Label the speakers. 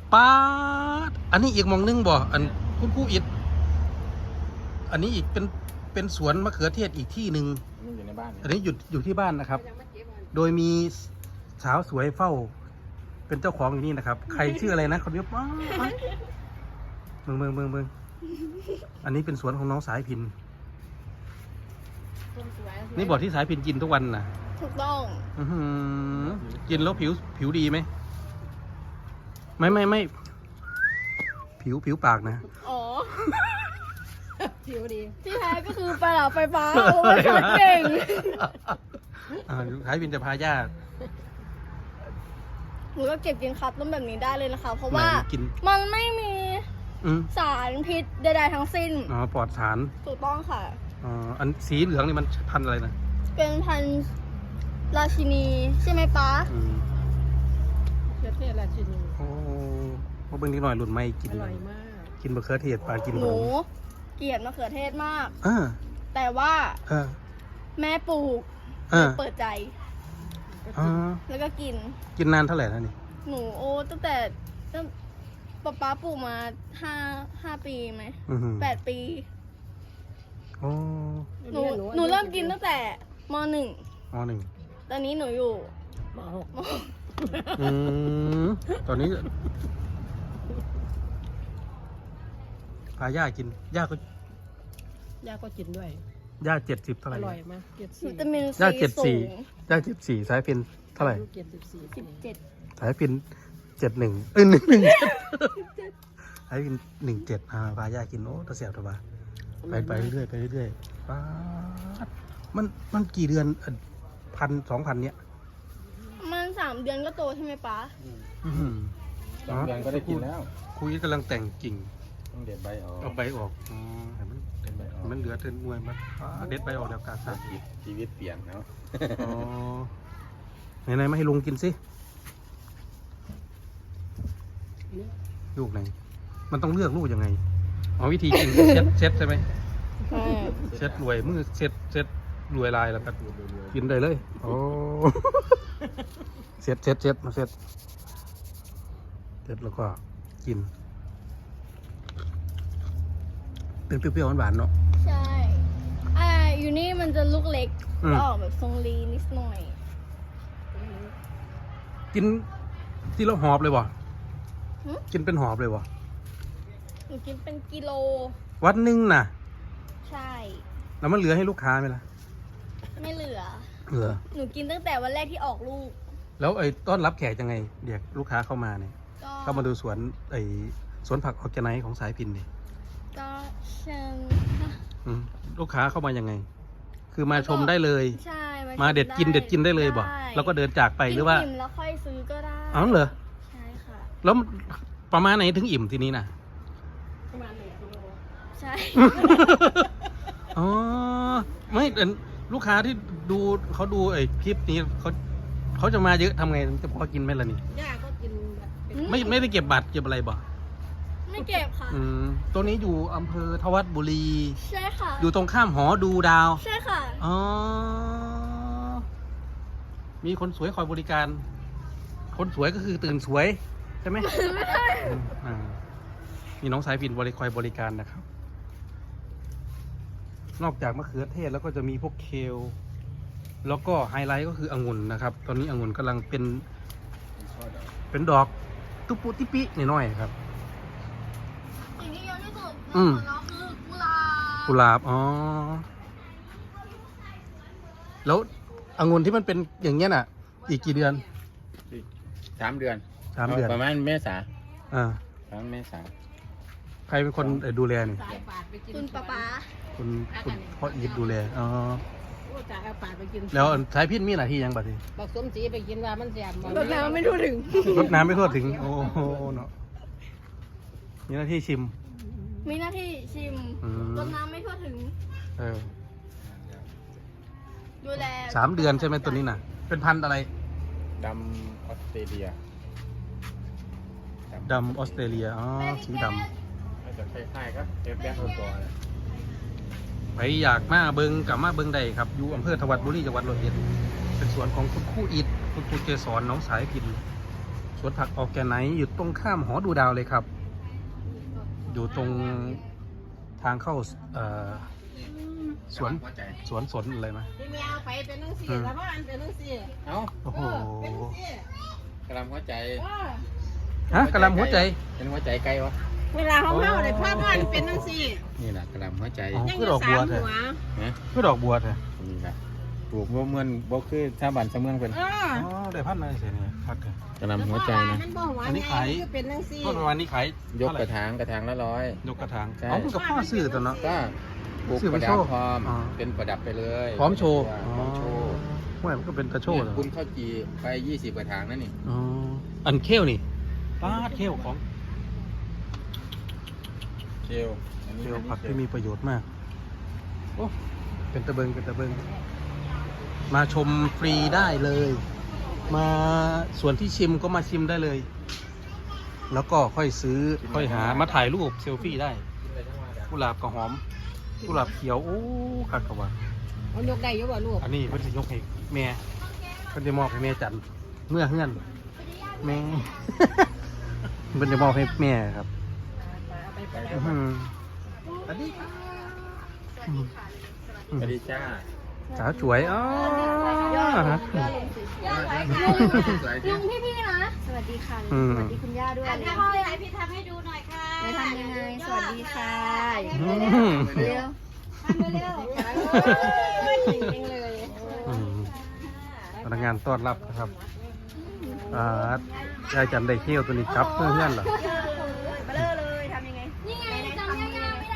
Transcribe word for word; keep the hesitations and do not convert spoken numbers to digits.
Speaker 1: ป้าดอันนี้อีกมองนึงบ่อันคุณครูอิดอันนี้อีกเป็นเป็นสวนมะเขือเทศอีกที่หนึ่งอยู่ในบ้านอันนี้อยู่อยู่ที่บ้านนะครับโดยมีสาวสวยเฝ้าเป็นเจ้าของอยู่นี่นะครับใครชื่ออะไรนะคนนี้ป้าเมืองเมืองเมืองเมืองอันนี้เป็นสวนของน้องสายพินนี่บอกที่สายพินกินทุกวันนะ
Speaker 2: ถูกต้อง
Speaker 1: อือกินแล้วผิวผิวดีไหมไม่ไม่ไม่ผิวผิวปากนะ
Speaker 2: อ๋อ
Speaker 3: ผิวดี
Speaker 2: ที่แท้ก็คือปลาหลาไฟฟ้าโอ้ยช็อตเก่ง
Speaker 1: อ่าสายพินจะพาญาติ
Speaker 2: หนูก็เก็บกินครับต้มแบบนี้ได้เลยนะคะเพราะว่ามันไม่มีสารพิษใดๆทั้งสิ้น
Speaker 1: อ๋อปลอดสาร
Speaker 2: ถูกต้องค่ะ
Speaker 1: อ๋ออันสีเหลืองนี่มันพันธุ์อะไรนะ
Speaker 2: เป็นพันธุ์ราชินีใช่ไหมป๊า
Speaker 3: เขือเทศราชินี
Speaker 1: โอ้พวกเบิ้งนิดหน่อยหลุดไม่กิน
Speaker 3: อร่อยมาก
Speaker 1: กินมะเขือเทศปลากิน
Speaker 2: หนูเกลียดมะเขือเทศมาก
Speaker 1: อ่า
Speaker 2: แต่ว่าแม่ปลูกเปิดใจแล้วก็กิน
Speaker 1: กินนานเท่าไหร่แล้วนี่
Speaker 2: หนูโอ้ตั้งแต่ตั้งป๊าป๊าปลูกมาห้าห้าปีไหมแปดปี
Speaker 1: โอ้
Speaker 2: หนูหนูเริ่มกินตั้งแต่มหนึ่ง
Speaker 1: มหนึ่ง
Speaker 2: ตอนนี้หนูอยู่
Speaker 3: มหก
Speaker 1: อืมตอนนี้พาย่ากินย่าก็
Speaker 3: ย่าก็กินด้วย
Speaker 1: ย่าเจ็ดสิบเท่าไหร่
Speaker 3: อร่อยมากเจ็ดสี่
Speaker 1: ย่าเจ็ดสี่ย่าเจ็ดสี่สายพินเท่าไหร่
Speaker 3: เจ็ดสิบสี่
Speaker 2: สิบเจ็ด
Speaker 1: สายพินเจ็ดหนึ่งเอ้ยหนึ่งหนึ่งสายพินหนึ่งเจ็ดอ่าพาย่ากินโอ้ตะเสียบตัวบ้าไปไปเรื่อยไปเรื่อยป้ามันมันกี่เดือนพันสองพันเนี้ย
Speaker 2: มันสามเดือนก็โตใช่ไหมป้า
Speaker 1: สองเดือนก็ได้กินแล้วคุยกำลังแต่งกิ่ง
Speaker 4: ต้องเด็ดใบออก
Speaker 1: เอาใบออกอ๋อเห็นมันเด็ดใบออกมันเหลือเทินมวยมันเด็ดใบออกแล้วกาซา
Speaker 4: ชีวิตเปลี่ยนเนาะ
Speaker 1: อ๋อไหนไหนมาให้ลุงกินสิลูกไหนมันต้องเลือกลูกยังไงอ๋อวิธีกินเช็ดเช็ดใช่ไหมเช็ดรวยมือเช็ดเช็ดรวยลายแล้วก็กินได้เลยโอ้เช็ดเช็ดเช็ดมาเช็ดเช็ดแล้วก็กินเป็นเปรี้ยวๆหวานๆเนาะ
Speaker 2: ใช่อ่าอยู่นี่มันจะลูกเล็กแล้วออกแบบทรงลีนิดหน่อย
Speaker 1: กินที่เราหอบเลยวะกินเป็นหอบเลยวะ
Speaker 2: หนูกินเป็นกิโล
Speaker 1: วันหนึ่งน่ะ
Speaker 2: ใช่
Speaker 1: แล้วมันเหลือให้ลูกค้าไหมล่ะ
Speaker 2: ไม่เหลือ
Speaker 1: เหลือ
Speaker 2: หนูกินตั้งแต่วันแรกที่ออกลูก
Speaker 1: แล้วไอ้ต้อนรับแขกยังไงเดี๋ยวลูกค้าเข้ามาเนี่ยเข้ามาดูสวนไอ้สวนผักออร์แกไนซ์ของสายพินเนี่ย
Speaker 2: ก็เชิญ
Speaker 1: ลูกค้าเข้ามายังไงคือมาชมได้เลย
Speaker 2: ใช่
Speaker 1: มาเด็ดกินเด็ดกินได้เลยบอกแล้วก็เดินจากไปหรือว่า
Speaker 2: อิ่มแล้วค่อยซื้อก็ได้
Speaker 1: อ๋อเหรอ
Speaker 2: ใช่ค่ะ
Speaker 1: แล้วประมาณไหนถึงอิ่มทีนี้นะ
Speaker 2: ประมาณหนึ่งกิโลใช่
Speaker 1: อ๋อไม่ลูกค้าที่ดูเขาดูไอ้คลิปนี้เขาเขาจะมาเยอะทำไงจะพอกินไหมล่ะนี่
Speaker 3: ย่าก็กิน
Speaker 1: ไม่ไม่ได้เก็บบัตรเก็บอะไรบ่
Speaker 2: ไม่เก็บค่ะ
Speaker 1: อืมตัวนี้อยู่อำเภอทวัดบุรี
Speaker 2: ใช่ค่ะ
Speaker 1: อยู่ตรงข้ามหอดูดาว
Speaker 2: ใช่ค่ะ
Speaker 1: อ๋อมีคนสวยคอยบริการคนสวยก็คือตื่นสวยใช่ไหมไม่ใช่อ่ามีน้องสายพินบริคอยบริการนะครับนอกจากมะเขือเทศแล้วก็จะมีพวกเคลแล้วก็ไฮไลท์ก็คือองุ่นนะครับตอนนี้องุ่นกำลังเป็นเป็นดอกตุ๊ปุติปิน้อยๆครับ
Speaker 2: สิ่งที่เยอะที่สุดข
Speaker 1: อ
Speaker 2: งเราคือกุหลาบ
Speaker 1: กุหลาบอ๋อแล้วองุ่นที่มันเป็นอย่างเงี้ยน่ะอีกกี่เดือน
Speaker 4: สามเดือน
Speaker 1: สามเดือน
Speaker 4: ประมาณเมษา
Speaker 1: อ่า
Speaker 4: ประมาณเมษา
Speaker 1: ใครเป็นคนดูแลนี่
Speaker 2: คุณป๊าป๊า
Speaker 1: คุณคุณพ่ออีทดูแลอ๋อ
Speaker 3: แล้
Speaker 1: วสายพินมีหน้าที่ยังบัดนี้
Speaker 3: บอกสมศรีไปกินว่ามันแสบ
Speaker 2: รดน้ำไม่ทั่วถึง
Speaker 1: รดน้ำไม่ทั่วถึงโอ้โหเนาะมีหน้าที่ชิม
Speaker 2: มีหน้าที่ชิมรดน้ำไม่ทั่วถึง
Speaker 1: เออ
Speaker 2: ดูแล
Speaker 1: สามเดือนใช่ไหมตัวนี้น่ะเป็นพันธุ์อะไร
Speaker 4: ดำออสเตรเลีย
Speaker 1: ดำออสเตรเลียอ๋อสีดำ
Speaker 4: อาจจะคล้ายๆครับเอฟแบ็คตัว
Speaker 1: ไปอยากมาเบิงกับมาเบิงใดครับอยู่อำเภอทวัดบุรีจังหวัดร้อยเอ็ดเป็นสวนของคุณครูอิฐคุณครูเกษรน้องสายพินสวนผักออร์แกไนซ์อยู่ตรงข้ามหอดูดาวเลยครับ อยู่ตรงทางเข้าเอ่อสวนสวนสนอะไรนะ
Speaker 3: พี่แมวไปเป็นนังสี่แล้วว่าอันเป็นนังสี่
Speaker 4: เอ้า
Speaker 1: โอ้โห
Speaker 3: เป็นนังสี่
Speaker 4: กระลำหัวใจ
Speaker 1: ฮะกระลำหัวใจ
Speaker 4: เป็นหัวใจไก่วะ
Speaker 3: เวลาเขาเมาเลยภาพว่าเป็นนังสี่
Speaker 4: นี่แหละกระลำหัวใจ
Speaker 1: อ๋อ
Speaker 3: ยัง
Speaker 1: คือ
Speaker 3: อ
Speaker 1: ด
Speaker 3: ยู่
Speaker 1: อก
Speaker 3: สา
Speaker 1: บัว
Speaker 3: ม
Speaker 1: เถ
Speaker 3: หั
Speaker 1: อะ
Speaker 3: ว
Speaker 4: นะ
Speaker 1: คือดอกบัวเถอะ
Speaker 4: นี่แหละปลูกบ่เหมือนบ่คือชาวบ้านชาวเมืองเป็น
Speaker 3: เออ
Speaker 1: อ๋อได้พันเลยเสียเนี่ยพักเถอะ
Speaker 4: กระลำหัวใจนะ
Speaker 3: มันบ่หัว
Speaker 1: อันนี้
Speaker 3: ไง
Speaker 1: ขาย
Speaker 3: คือเป็นนังสี่
Speaker 1: ต้นประมาณนี้ขาย
Speaker 4: ยกกระถางกระถางละร้อย
Speaker 1: ยกกระถาง
Speaker 4: ใช่
Speaker 1: อ๋อคุณกับพ่อซื้อตัวเนาะ
Speaker 4: ก็ปลูก
Speaker 1: ซื้อ
Speaker 4: ป
Speaker 1: ไว้
Speaker 4: ระดั
Speaker 1: โช
Speaker 4: บ
Speaker 1: ว์
Speaker 4: พร้อม
Speaker 1: อ๋อ
Speaker 4: เป็นประดับไปเลย
Speaker 1: พร้อมโชว์
Speaker 4: พร้อมโชว์
Speaker 1: ว่ามันก็เป็นตะโชว์เหรอ
Speaker 4: คุณข้าวจีไปยี่สิบกระถางนั่นนี่
Speaker 1: อ๋ออันเขี้ยวนี่ป้าดเขี้ยวของ
Speaker 4: เชลอันนี้
Speaker 1: เขี้ยว
Speaker 4: อันนี้
Speaker 1: ผักที่มีประโยชน์มากโอ้เป็นตะเบิงเป็นตะเบิงมาชมฟรีได้เลย มาส่วนที่ชิมก็มาชิมได้เลย แล้วก็ค่อยซื้อค่อยหามาถ่ายรูปเซลฟี่ได้กุหลาบกระหอมกุหลาบเขียวโอ้คักกว่า
Speaker 3: มันยกได้อยู่บ่ลูก
Speaker 1: อันนี้เพิ่นสิยกให้แม่เพิ่นจะมอบให้แม่จันเมื่อเฮือนแม่ เพิ่นจะมอบให้แม่ครับ
Speaker 3: เอาไปไป
Speaker 1: อื้อหืออันนี้
Speaker 4: สวัสดีจ้า
Speaker 1: สาวสวยอ๋อ
Speaker 2: ลุงพี่ๆนะ สวัสดีค่ะ
Speaker 1: อืม
Speaker 2: สวัสดีคุณย่าด้วย
Speaker 5: อันทำยังไงพี่ทำให้ดูหน่อยค่ะ
Speaker 2: จะทำยังไง สวัสดีค่ะ
Speaker 1: อืม
Speaker 2: เร็ว
Speaker 5: ทำเร็ว
Speaker 3: เก่งจังเลย
Speaker 1: อืมพนักงานต้อนรับนะครับอ่ายายจันได้เขี้ยวตัวนี้ครับเพื่อนๆเหรอ
Speaker 5: ๆ